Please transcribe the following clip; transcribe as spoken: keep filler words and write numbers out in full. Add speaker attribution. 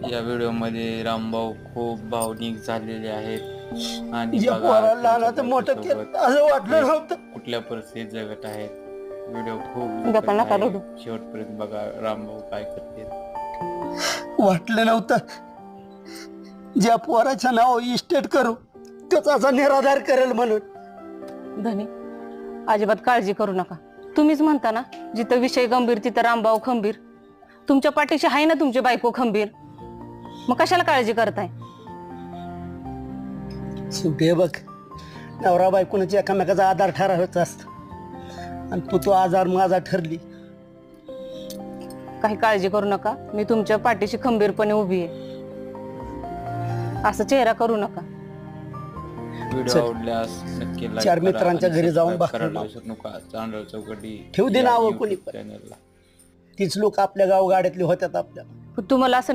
Speaker 1: या व्हिडिओमध्ये रामभाऊ खूप भावनिक झालेले आहेत आणि
Speaker 2: या
Speaker 1: बघा
Speaker 2: पोराला लहानाचं
Speaker 1: त्यांच्या
Speaker 2: मोठं केलं
Speaker 1: बायकोसोबत
Speaker 2: असं वाटलं
Speaker 1: ते
Speaker 2: नव्हतं.
Speaker 1: कुठल्या परिस्थितीत जगत आहेत. व्हिडिओ खूप
Speaker 3: गप्पा
Speaker 1: दुखद
Speaker 3: नका
Speaker 1: आहे.
Speaker 3: रडू.
Speaker 1: शेवटपर्यंत बघा रामभाऊ काय करते.
Speaker 2: वाटलं नव्हतं ज्या पोराचं नाव इस्टेट करू तोच असा निराधार करेल म्हणून.
Speaker 3: धनी अजिबात काळजी करू नका. तुम्हीच म्हणता ना जिथं विषय गंभीर तिथं रामभाऊ खंबीर. तुमच्या पाठीशी आहे ना तुमची बायको खंबीर, मग कशाला काळजी करताय?
Speaker 2: शेवटी हे बघ, नवरा बायकोनाची एकामेकाचा आधार ठरावायचा असतो आणि तू तो आजार माझा ठरली.
Speaker 3: काही काळजी करू नका, मी तुमच्या पाठीशी खंबीरपणे उभी आहे. असं चेहरा करू नका.
Speaker 1: व्हिडिओ
Speaker 2: चल.
Speaker 1: आवडल्यास नक्की लाईक
Speaker 2: चार
Speaker 1: करा
Speaker 2: मित्रांच्या
Speaker 1: आणि
Speaker 2: घरी जाऊन
Speaker 1: सबस्क्राईब
Speaker 2: भाकरी
Speaker 1: करायला
Speaker 2: लाव.
Speaker 1: विसरू नका. चांदळ चौकटी
Speaker 2: ठेवू दे
Speaker 1: या
Speaker 2: नावं
Speaker 1: YouTube
Speaker 2: कोणी पण.
Speaker 1: चॅनलला.
Speaker 2: तीच लोक आपल्या गाव गाड्यातली होत्यात आपल्या.
Speaker 3: तुम्हाला असं